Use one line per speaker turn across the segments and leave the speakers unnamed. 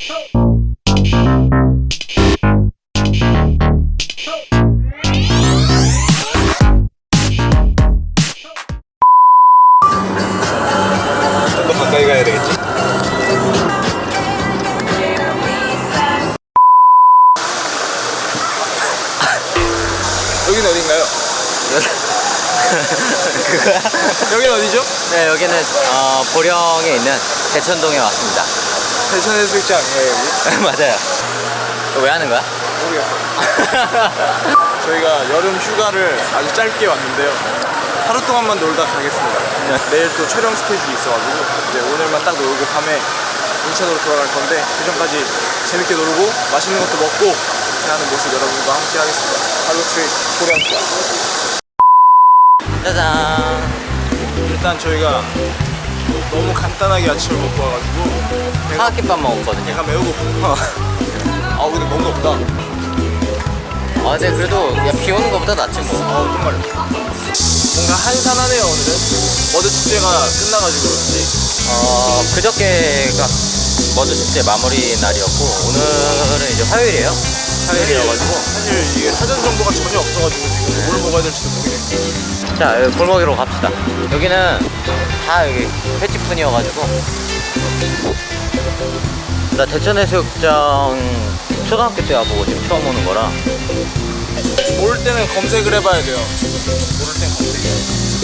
좀 더 가까이 가야 되겠지? 여기는 어딘가요?
그거야?
여기는 어디죠?
네, 여기는 보령에 있는 대천동에 왔습니다.
대천 해수욕장이에요 여기?
맞아요. 왜 하는 거야?
모르겠어요. 저희가 여름 휴가를 아주 짧게 왔는데요. 하루 동안만 놀다 가겠습니다. 내일 또 촬영 스케줄이 있어가지고 이제 오늘만 딱 놀고 밤에 인천으로 돌아갈 건데 그 전까지 재밌게 놀고 맛있는 것도 먹고 하는 모습 여러분과 함께 하겠습니다. 할로 트립 보령 휴가.
짜잔.
일단 저희가 너무 간단하게 아침을 먹고 와가지고
사각김밥 먹었거든요.
배가 매우 고프고 아 근데 너무 덥다.
어제 그래도 비 오는 것보다 낫지 뭐.
정말 뭔가 한산하네요 오늘은. 머드 축제가 끝나가지고 그렇지.
그저께가 머드 축제 마무리 날이었고 오늘은 이제 화요일이에요. 화요일이어가지고
사실 이게 사전 정보가 전혀 없어가지고 지금 뭘 먹어야 될지도 모르겠어요.
자, 여기 골목으로 갑시다. 여기는 다 여기 횟집뿐이어가지고. 나 대천해수욕장 초등학교 때 와보고 지금 처음 오는 거라.
모를 때는 검색을 해봐야 돼요. 모를 땐 검색해야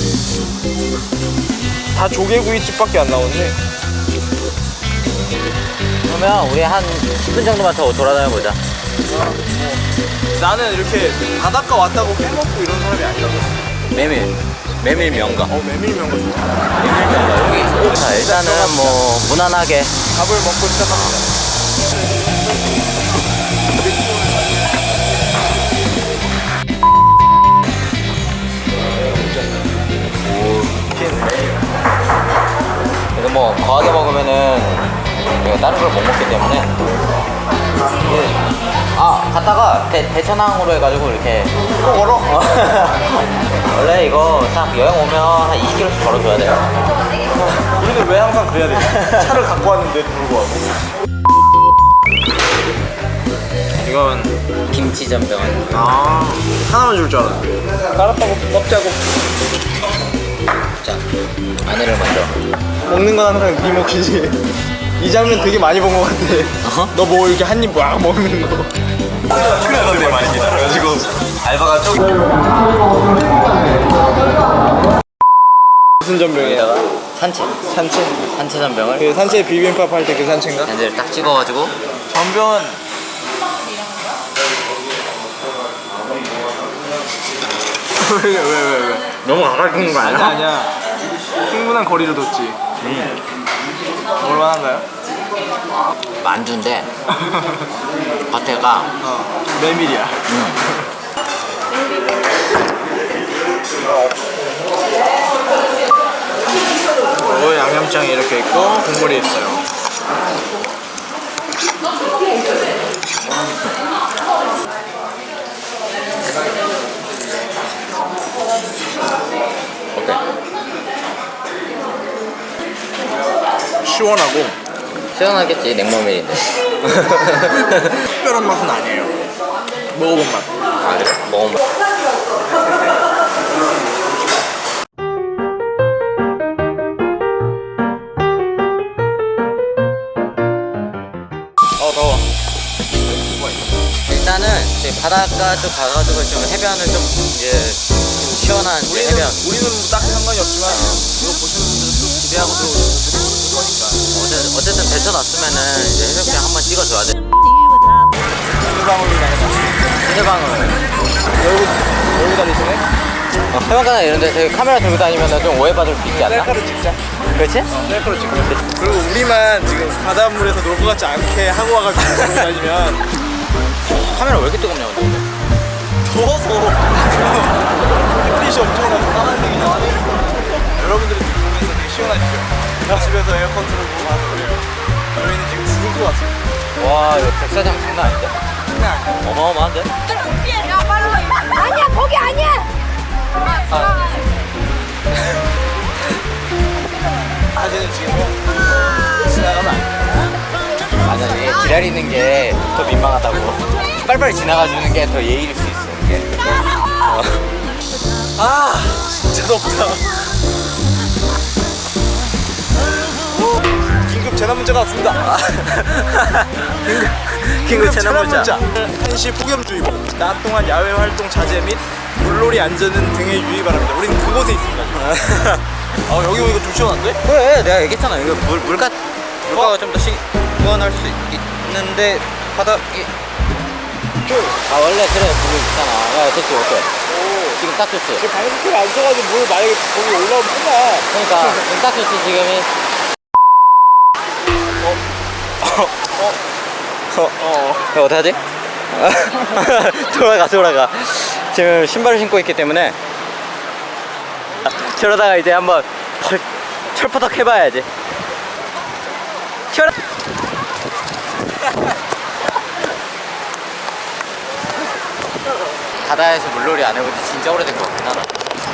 돼. 다 조개구이집밖에 안 나오네.
그러면 우리 한 10분 정도만 더 돌아다녀보자.
나는 이렇게 바닷가 왔다고 해먹고 이런 사람이 아니라고.
메밀 명가.
메밀면가 좋아.
메밀 명가 여기. 자, 일단은 뭐 무난하게
밥을 먹고 시작합니다.
그래도 뭐 거하게 먹으면은 우리가 다른 걸 못 먹기 때문에 갔다가 대천항으로 해가지고 이렇게
또 걸어?
원래 이거 딱 여행 오면 한 20km씩 걸어줘야 돼요.
우리는 왜 항상 그래야 돼? 차를 갖고 왔는데도 불구하고. 이건
김치 전병은
하나만 줄 줄 알았는데 깔았다고 먹자고.
자, 마늘을 먼저.
먹는 건 항상 네 몫이지. 이 장면 되게 많이 본 것 같아. 너 뭐 이렇게 한 입 막 먹는 거. 출연한데 많이 기다려가지고
알바가 좀
무슨 전병이야?
산채 전병을
그 산채 비빔밥 할 때 그 산채인가?
산채를 딱 찍어가지고
전병은 왜?
너무 가까이 붙는 거
아니야. 충분한 거리를 뒀지. 얼마나인가요?
만두인데 겉에가
메밀이야. 양념장이 이렇게 있고 국물이 있어요.
어때?
시원하고
시원하겠지, 냉모밀인데.
특별한 맛은 아니에요. 먹어본 맛.
아, 그래? 먹어봐.
더워.
일단은 이제 바닷가 쪽 가가지고 좀 해변을 좀 이제 시원한 이제 해변.
우리는 뭐 딱히 상관이 없지만 이거 보시는 분들은 또 기대하고 들어오실 거니까.
어쨌든 대천 왔으면은 이제 해변장 한번 찍어줘야 돼.
휴대방으로 나가자.
휴대방을
열고 다니시네?
해변가나 이런 데 저기 카메라 들고 다니면 좀 오해받을 수 있지 않나?
셀카로 찍자.
그렇지?
셀카로 찍자. 그리고 우리만 지금 바닷물에서 놀 것 같지 않게 하고 와가지고 들고 다니면
카메라 왜 이렇게 뜨겁냐 근데?
더워서 햇빛이 엄청나서 파란색이 나와요. 여러분들이 지금 보면서 되게 시원하시죠? 집에서 에어컨 틀고 가서 그래요. 저희는 지금 죽을 것 같습니다.
와 이거 백사장 장난 아닌데?
장난 아니야.
어마어마한데?
아니야 거기 아니야.
사진은 지금 지나가면 안 돼.
맞아 이게 지랄 기다리는 게 더 민망하다고. 빨리빨리 지나가주는 게 더 예의일 수 있어. 이게.
아 진짜 덥다. 긴급 재난 문자가 왔습니다.
긴급 재난 문자.
한시 폭염주의보, 낮 동안 야외 활동 자제 및 물놀이 안전은 등에 유의 바랍니다. 우리는 그곳에 있습니다. 여기 오니까 좀 시원한데?
그래, 내가 얘기했잖아. 이거 물가가 좀 더 시원할 수 있는데 바닥이. 원래 그래 물이 있잖아. 야, 됐지 어때? 지금 딱 좋지.
방수키를 안 써가지고 물 만약에 거기 올라오면 끝나.
그러니까 지금 딱 좋지 지금이. 이거 어떡하지? 돌아가. 지금 신발을 신고 있기 때문에 저러다가 이제 한번 철퍼덕 해봐야지. 바다에서 물놀이 안 해본 지 진짜 오래된 것 같긴 하다.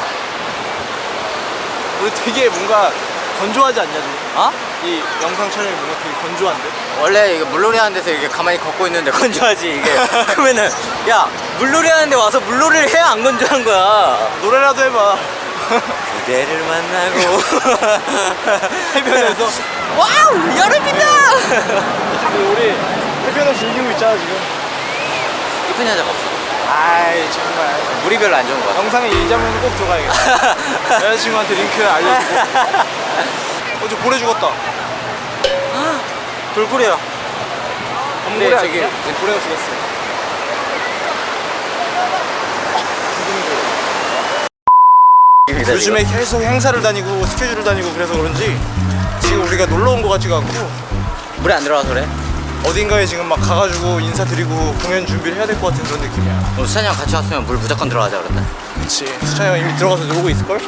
우리 되게 뭔가 건조하지 않냐 지금?
어?
이 영상 촬영이 뭔가 되게 건조한데?
원래 이거 물놀이 하는 데서 이게 가만히 걷고 있는데 건조하지 이게. 그러면은 야 물놀이 하는데 와서 물놀이를 해야 안 건조한 거야.
노래라도 해봐.
그대를 만나고
해변에서
와우 여름이다.
우리 해변을 즐기고 있잖아 지금.
이쁜 여자가 없어.
아이 정말
물이 별로 안 좋은 거야.
영상에 이 장면 꼭 들어가야겠다. 여자친구한테 링크 알려주고. 어제 고래 죽었다.
돌고래야.
범고래
네,
아니야? 고래가 죽었어. 요즘에 계속 행사를 다니고 스케줄을 다니고 그래서 그런지 지금 우리가 놀러 온 거 같지가 않고
물에 안 들어가서 그래.
어딘가에 지금 막 가가지고 인사드리고 공연 준비를 해야 될 것 같은 그런 느낌이야.
오늘 수찬이랑 같이 왔으면 물 무조건 들어가자 그랬다.
그치. 수찬이 형 이미 들어가서 놀고 있을걸?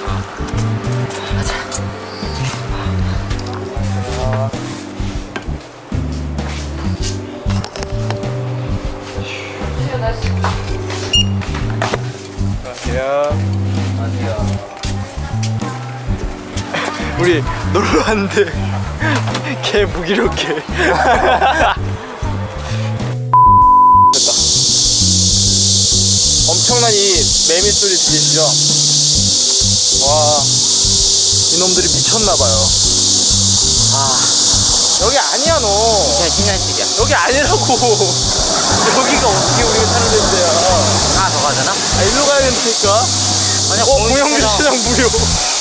안녕하세요. 우리 놀러 왔는데 개 무기력해. 됐다. 엄청난 이 매미 소리 들리시죠? 와, 이놈들이 미쳤나봐요. 여기 아니야 너.
그냥 신년식이야.
여기 아니라고. 여기가 어떻게 우리가 사는 데인데요?
하나 더 가잖아?
일로 가야 된다니까.
아니야
공영주차장 무료.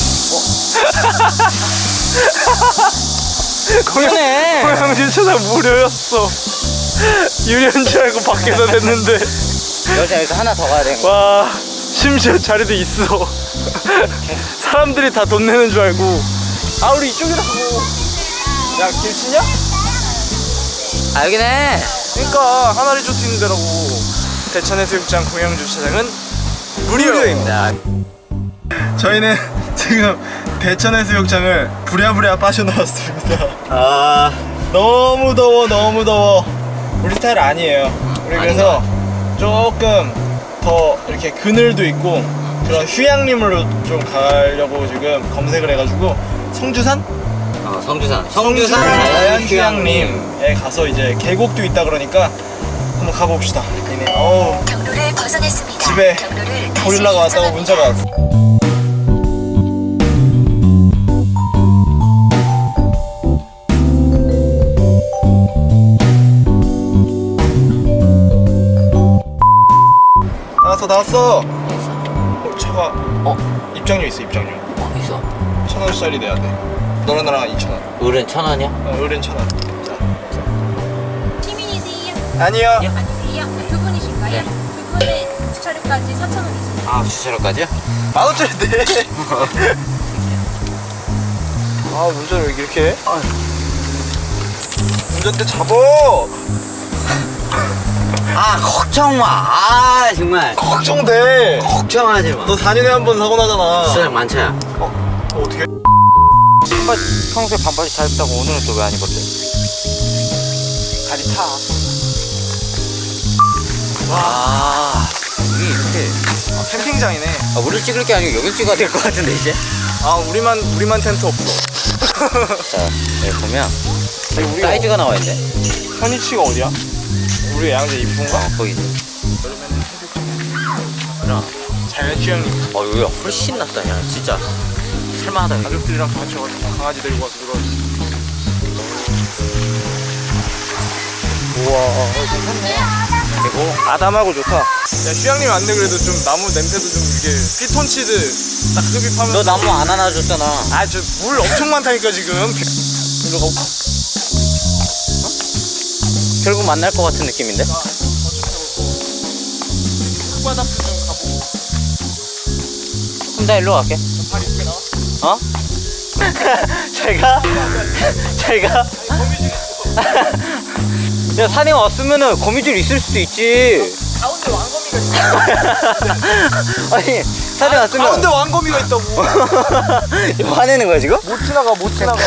그러네.
공영주차장 무료였어. 유료인 줄 알고 밖에서 냈는데.
여기서 하나 더 가야 되는 거야.
와, 심지어 자리도 있어. 사람들이 다 돈 내는 줄 알고. 아, 우리 이쪽이라고. 야, 길 치냐?
아 여기네.
그러니까 하나 리조트 있는 데라고. 대천해수욕장 공영주차장은 무료입니다. 저희는 지금 대천해수욕장을 부랴부랴 빠져나왔습니다. 너무 더워. 우리 스타일 아니에요. 우리 그래서 조금 더 이렇게 그늘도 있고 그런 휴양림으로 좀 가려고 지금 검색을 해가지고 성주산 자연휴양림에 가서 이제 계곡도 있다 그러니까 한번 가봅시다.
경로를 벗어났습니다.
집에
경로를 다시
고릴라가 왔다고
정합니다.
문자가 왔어. 나왔어. 차가 입장료 있어. 입장료
있어.
1,000원짜리 내야 돼. 너랑 나랑 2,000원.
을은 1,000원이야?
어른 1,000원.
시민이세요?
아니요.
아니세요? 두 분이신가요?
네.
두 분은 주차료까지 4,000원이세요.
아 주차료까지요?
10,000원짜리 내. 운전을 왜 이렇게 해? 운전대 잡어.
걱정 마. 정말
걱정돼.
걱정하지 마.
너 4년에 한 번 사고 나잖아.
수장 많차야.
어떻게?
평소에 반바지 잘 입다고 오늘은 또 왜 안 입었대?
다리 타.
이게 이렇게
캠핑장이네.
우리 찍을 게 아니고 여길 찍어야 될 것 같은데 이제.
우리만 텐트 없어.
자 여기 보면
우리가
사이즈가 나와 있네.
현이치가 어디야? 우리 양재 입구인가?
거기.
그러면은 해수욕장. 자연 휴양림.
여기가 훨씬 낫다, 야. 진짜. 살만하다, 여기.
가족들이랑 같이 와가지고 강아지 데리고 와서 그런. 우와, 괜찮네.
그리고,
아담하고 좋다. 야, 휴양림 왔는데 그래도 좀 나무 냄새도 좀 이게 피톤치드 딱 흡입하면.
너 나무 안 안아줬잖아.
아, 저 물 엄청 많다니까 지금. 이거 가.
결국 만날 것 같은 느낌인데?
흙바닥도 좀 가보고.
그럼 나 일로 갈게.
발 이쁘게 나와?
어? 잘 가? 잘 가?
거미줄 있어.
야, 산에 왔으면은 거미줄 있을 수도 있지.
가운데 왕거미가 있어.
아니, 산에 왔으면.
가운데 왕거미가 있다고.
이거 화내는 거야, 지금?
못 지나가, 못 지나가.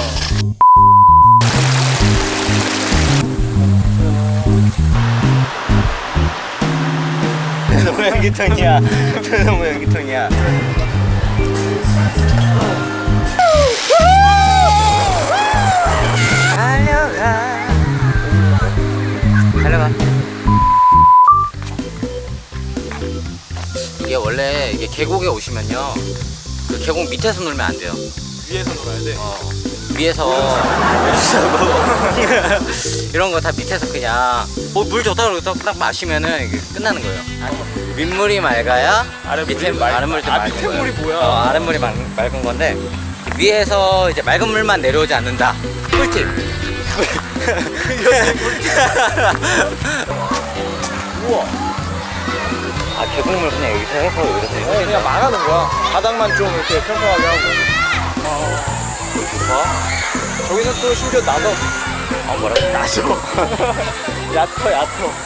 너무 연기통이야. 너무 연기통이야. 달려가. 달려가. 이게 원래 이게 계곡에 오시면요, 그 계곡 밑에서 놀면 안 돼요.
위에서 놀아야 돼.
위에서 이런 거 다 밑에서 그냥 물 좋다 그러고 딱 마시면은 이게 끝나는 거예요. 윗물이 맑아야
아랫물이 맑다.
아랫물도
아,
맑은
밑에
거예요.
물이 뭐야?
아랫물이 맑은 건데 위에서 이제 맑은 물만 내려오지 않는다. 꿀팁.
우와.
아, 계곡물 그냥 여기서 해서 여기서
그냥 망하는 거야. 바닥만 좀 이렇게 평평하게 하고.
좋아.
저기서 또 심지어 나도
뭐라고?
나죠. 얕어.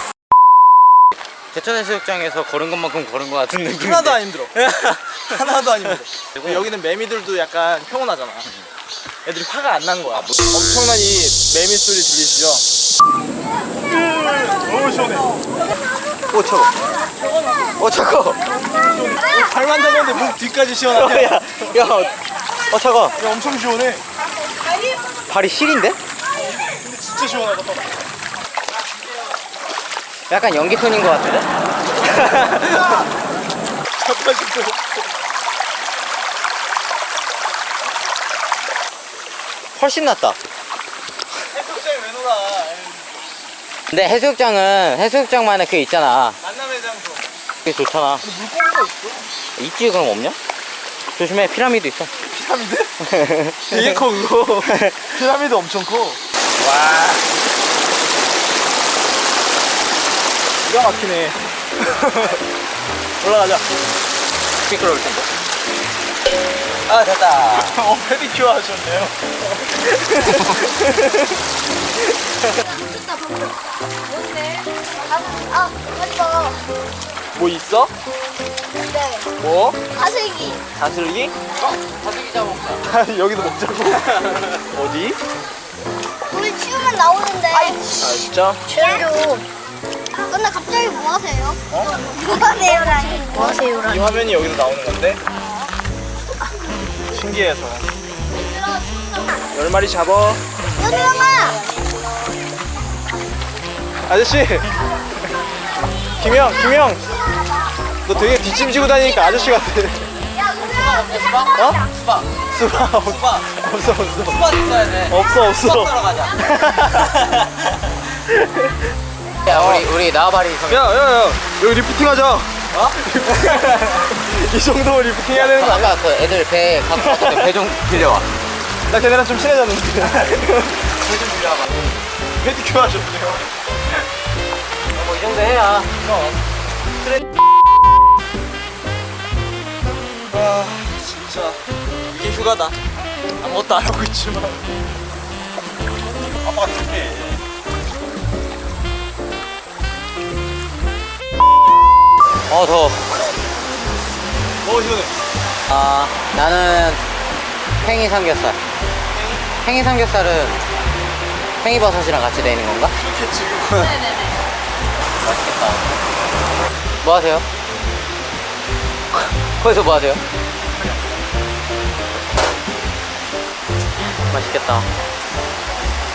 제천해수욕장에서 걸은 것만큼 걸은 것 같은 느낌.
하나도 안 힘들어. 하나도 안 힘들어. 그리고 여기는 매미들도 약간 평온하잖아. 애들이 화가 안 난 거야. 엄청난 이 매미 소리 들리시죠? 너무 시원해.
오, 차고. 오, 차고.
발만 잡았는데 목 뒤까지 시원하네.
야, 차가.
야, 엄청 시원해.
발이 실인데?
근데 진짜 시원하다.
약간 연기톤인 것 같은데?
잠깐 진짜.
훨씬 낫다.
해수욕장에 왜 놀아?
근데 해수욕장만의 그 있잖아.
만남의 장소.
그게 좋잖아.
물고기가 있어?
있지, 그럼 없냐? 조심해, 피라미드 있어.
피라미드? 되게 커 그거. 피라미드 엄청 커. 와. 기가 막히네. 올라가자.
미끄러울 텐데. 아, 됐다.
페디큐어 하셨네요.
좋다, 방금. 뭔데? 하지 마.
뭐 있어?
네.
뭐?
가슬기.
다슬기?
다슬기 잡아먹자.
여기도 먹자고. 어디?
물 치우면 나오는데.
아 진짜?
최로. 근데 갑자기 뭐 하세요? 뭐 하세요라니? 뭐
이
하세요라니?
화면이 여기서 나오는 건데 신기해서 10마리 잡아.
연우형아!
아저씨. 김형 너 되게 뒷짐지고 다니니까 아저씨 같아.
야,
어? 수박 없어.
수박 있어야 돼.
없어.
수박 가자. 야, 우리 나와바리 성.
야 여기 리프팅하자. 어? 이 정도면 리프팅 해야 되는 거 아니야?
아까 그 애들 배 갖고 왔던데 배 좀 빌려와.
나 걔네랑 좀 친해졌는데.
배 좀 빌려와봐.
페디큐어 하셨네요.
뭐 이 정도 해야.
아 진짜 이게 휴가다. 아무것도 안 하고 있지만 아빠가 특해.
더워.
시원해.
나는 팽이 삼겹살. 팽이 삼겹살은 팽이버섯이랑 같이 되어 있는 건가?
그렇겠지.
맛있겠다. 뭐 하세요? 거기서 뭐 하세요? 맛있겠다.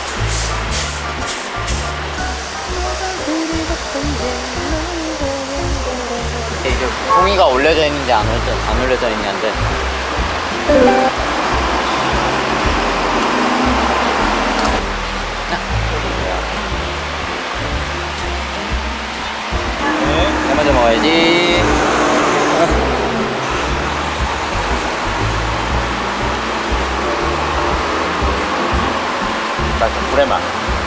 종이가 올려져 있는지 안 올려져 있냐인데. 네, 먼저 먹어야지. 불의 맛.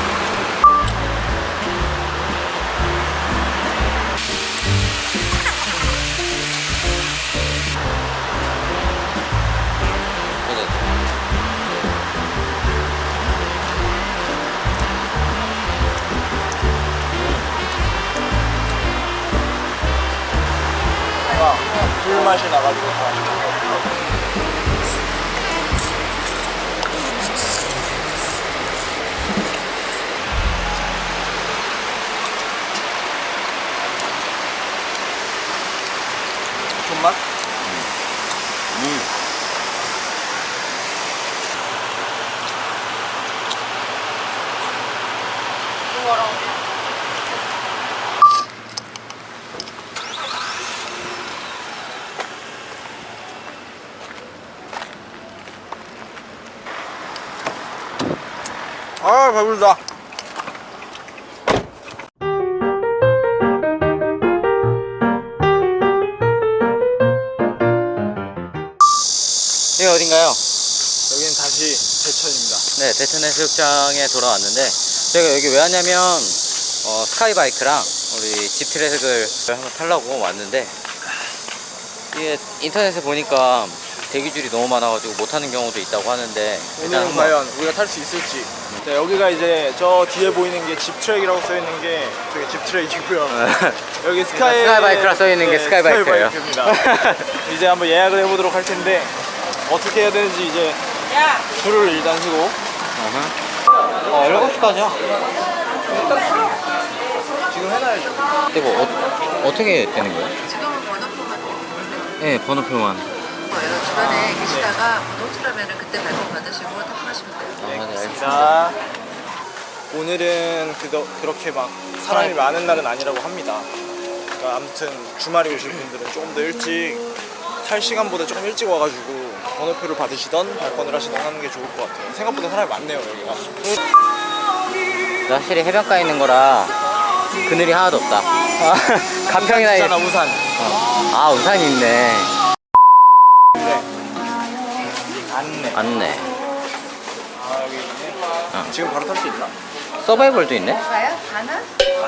불맛이 나가지고 손맛? 아, 배부르다.
여기 어딘가요?
여기는 다시 대천입니다.
네, 대천 해수욕장에 돌아왔는데 제가 여기 왜 왔냐면 스카이바이크랑 우리 집 트랙을 한번 타려고 왔는데 이게 인터넷에 보니까 대기줄이 너무 많아가지고 못하는 경우도 있다고 하는데
오늘은 과연 우리가 탈 수 있을지. 네, 여기가 이제 저 뒤에 보이는 게 집 트랙이라고 써있는 게 저기 집 트랙이고요. 여기
스카이바이크라 써있는 게 스카이바이크예요.
스카이바이크입니다. 이제 한번 예약을 해보도록 할 텐데 어떻게 해야 되는지 이제 줄을 일단 서고
7시까지요?
지금 해놔야죠.
근데 뭐 어떻게 되는 거예요?
지금은 번호표만 되는데
네, 번호표만.
주변에 계시다가 호출하면은 그때 발권 받으시고 탑승하시면 돼요.
네,
네,
알겠습니다. 오늘은 그렇게 막 사람이 많은 날은 아니라고 합니다. 그러니까 아무튼 주말에 오실 분들은 조금 더 일찍 탈 시간보다 조금 일찍 와가지고 번호표를 받으시던 발권을 하시던 하는 게 좋을 것 같아요. 생각보다 사람이 많네요 여기가.
확실히 해변가에 있는 거라 그늘이 하나도 없다. 가평이나
있잖아 우산.
아, 우산이 있네.
네. 안내.
안네.
아 여기 있네. 지금 바로 탈 수 있나?
서바이벌도 있네.
가요? 가나?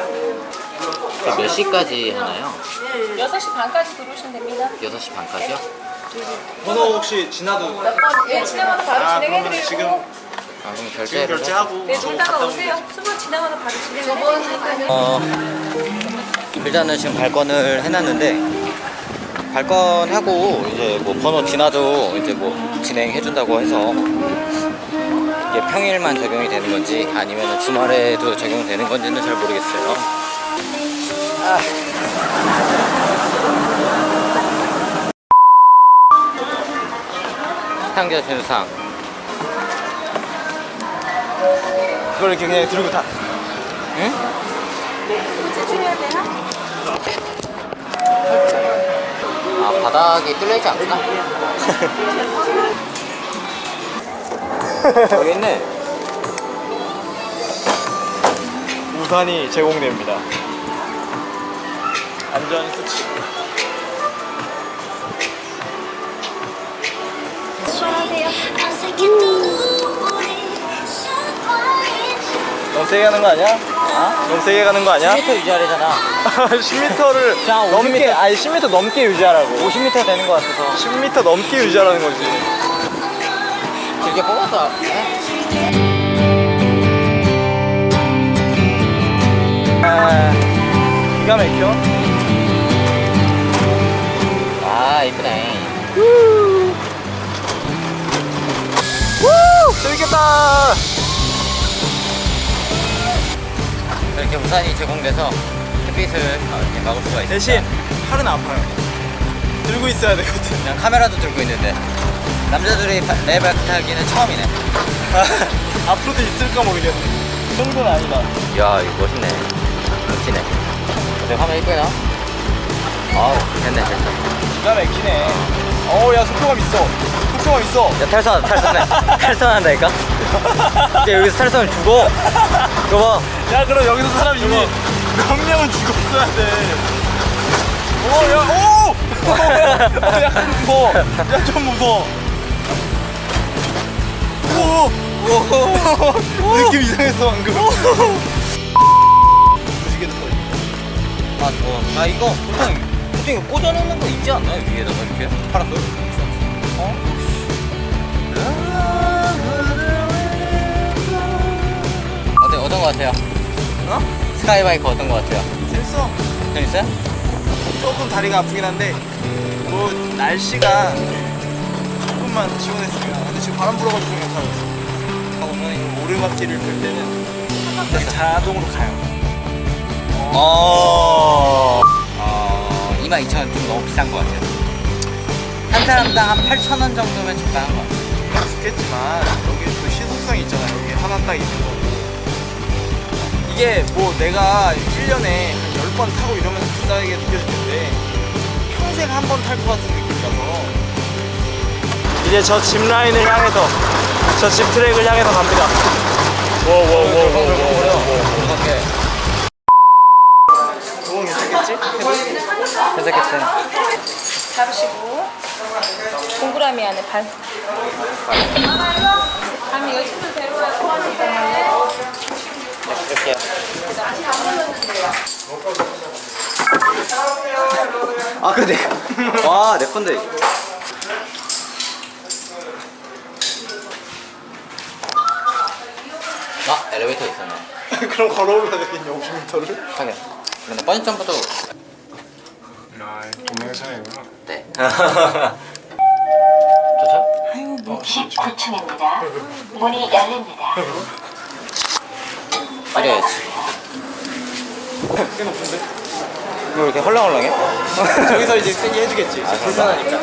몇 시까지 하나요?
6시 반까지 들어오시면 됩니다.
6시 반까지요?
번호 혹시 지나도?
예, 지나가면 바로
아 그러면
진행해드리고.
지금
아, 그럼
지금
결제를
결제하고
네,
저거
놀다가
갔다 오면
오세요.
되지.
수분 지나가면 바로 진행해드리니까요.
일단은 지금 발권을 해놨는데 발권하고 이제 뭐 번호 지나도 이제 뭐 진행해준다고 해서 이게 평일만 적용이 되는 건지 아니면 주말에도 적용되는 건지는 잘 모르겠어요. 시상자 준상.
그걸 이렇게 그냥 들고 타.
응? 아, 바닥이 뚫려있지 않구나. 여기 있네.
우산이 제공됩니다. 안전 수칙. 너무 세게 가는 거 아니야? 너무 세게 가는 거 아니야?
10m 유지하래잖아.
10m를
그냥
넘게,
50m.
아니 10m 넘게 유지하라고.
50m 되는 것 같아서
10m 넘게 유지하라는 거지.
길게 뽑았어.
아, 기가 막혀.
아, 이쁘네.
재밌겠다.
이렇게 우산이 제공돼서 햇빛을 이렇게 막을 수가 있어요.
대신 팔은 아파요. 들고 있어야 되거든.
그냥 카메라도 들고 있는데 남자들이 레이바이크 타기는 처음이네.
앞으로도 있을까 모르겠네. 그 정도는 아니다.
이야, 이거 멋있네. 멋지네. 근데 화면 이쁘나? 됐네.
기가 막히네. 어야 속도감 있어. 속도감 있어.
야, 탈선해. 탈선한다니까? 근데 여기서 탈선을 죽어. 이거 봐.
야 그럼 여기서 사람 이미 몇 명은 죽었어야 돼. 오! 약간 무서워. 야 좀 무서워. 오! 느낌 이상했어 방금. 무지개 또.
아, 이거 보통 꽂아놓는 거 있지 않나요? 위에다가 이렇게? 파란 돌? 어떤 거 같아요? 스카이바이크 어떤 거 같아요?
재밌어.
재밌어요?
조금 다리가 아프긴 한데 뭐 날씨가 조금만 시원했으면. 근데 지금 바람 불어가지고 그냥 타고 있어. 하고는 이 오르막길을 돌 때는 그냥 자동으로 가요.
22,000원 좀 너무 비싼 것 같아요. 한 사람당 한 8,000원 정도면 적당한 것 같아요.
좋겠지만 여기 또 시속성이 있잖아요. 여기 하나 딱 있는 거고. 이게 뭐 내가 1년에 한 10번 타고 이러면 비싸게 느껴질 텐데 평생 한 번 탈 것 같은 느낌이라서 이제 저 짚 라인을 향해서 저 짚 트랙을 향해서 갑니다.
그렇게
그건 괜찮겠지?
괜찮겠어요.
잡으시고 동그라미 안에 반. 밤이 여친도 데려와서
이렇게요. 아, 근데 와, 내 건데. 엘리베이터 있었네.
그럼 걸어 올라가겠냐 50m를?
하긴. 근데 번지 점프도
동영상이구나.
네. 좋죠?
19층입니다. 문이 열립니다.
때려야지.
꽤 높은데?
이거 이렇게 헐렁헐렁해?
저기서 이제 세게 해주겠지.
아,
불편하니까.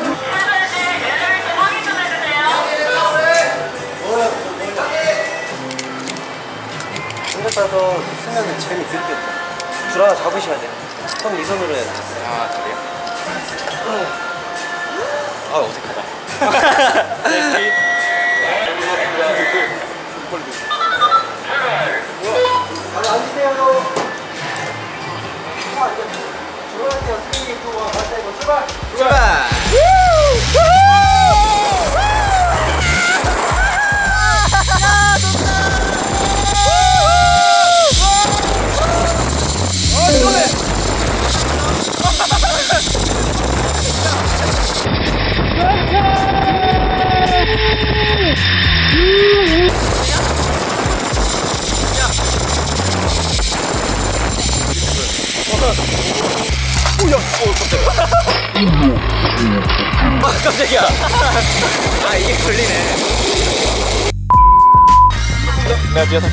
손에 따서 쓰면 재미있겠다. 줄 하나 잡으셔야 돼. 손 이 손으로 해야 돼.
아, 그래요? 아, 어색하다. 출발! 아, 깜짝이야. 아, 이게 걸리네.
내가 뒤에서.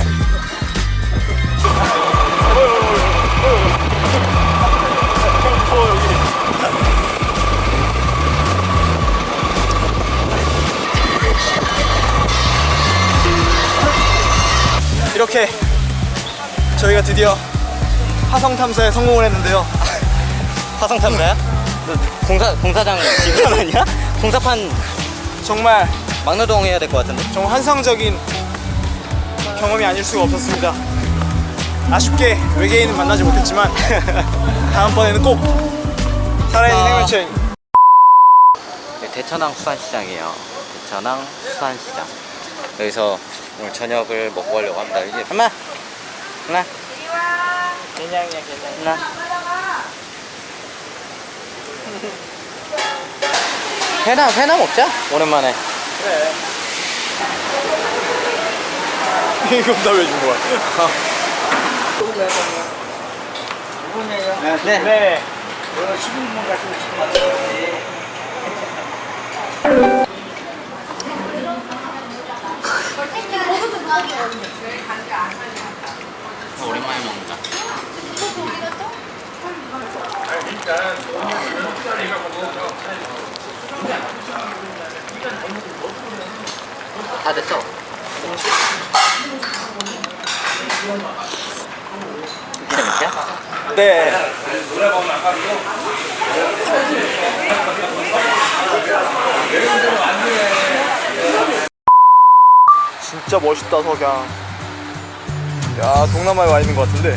이렇게 저희가 드디어 화성 탐사에 성공을 했는데요.
화성 탐사야? 너 공사장 직원 아니야? 공사판
정말
막노동 해야 될 것 같은데?
정말 환상적인 경험이 아닐 수가 없었습니다. 아쉽게 외계인은 만나지 못했지만 다음번에는 꼭 살아있는 생명체.
네, 대천항 수산시장이에요. 대천항 수산시장. 여기서 오늘 저녁을 먹고 가려고 합니다. 이제 엄마, 하나,
그냥이야 그냥.
하나. 회나 먹자. 오랜만에.
그래. 이건 다왜 준 거야?
네.
네.
오랜만에 먹자. 다 됐어. 재밌게?
네. 진짜 멋있다 석양. 야 동남아에 와 있는 것 같은데.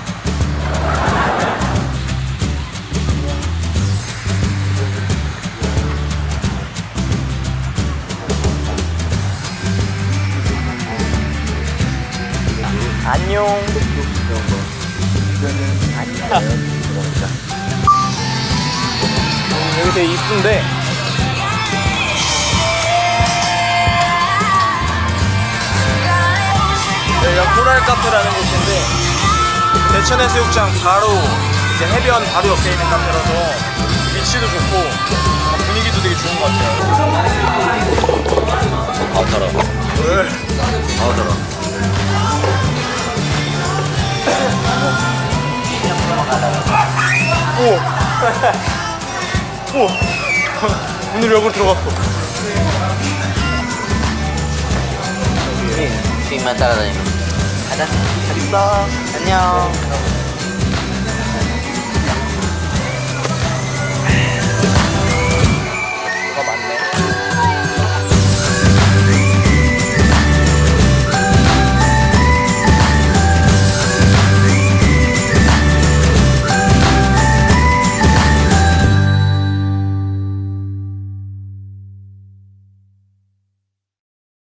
안녕. 여기 되게 이쁜데 여기가 코랄 카페라는 곳인데 대천해수욕장 바로 이제 해변 바로 옆에 있는 카페라서 위치도 좋고 분위기도 되게 좋은 것 같아요.
아우 더러.
네.
아우 더러.
오! 오! 문을 열고 들어갔어.
주인만 따라다니면. 가자.
잘 있어.
안녕.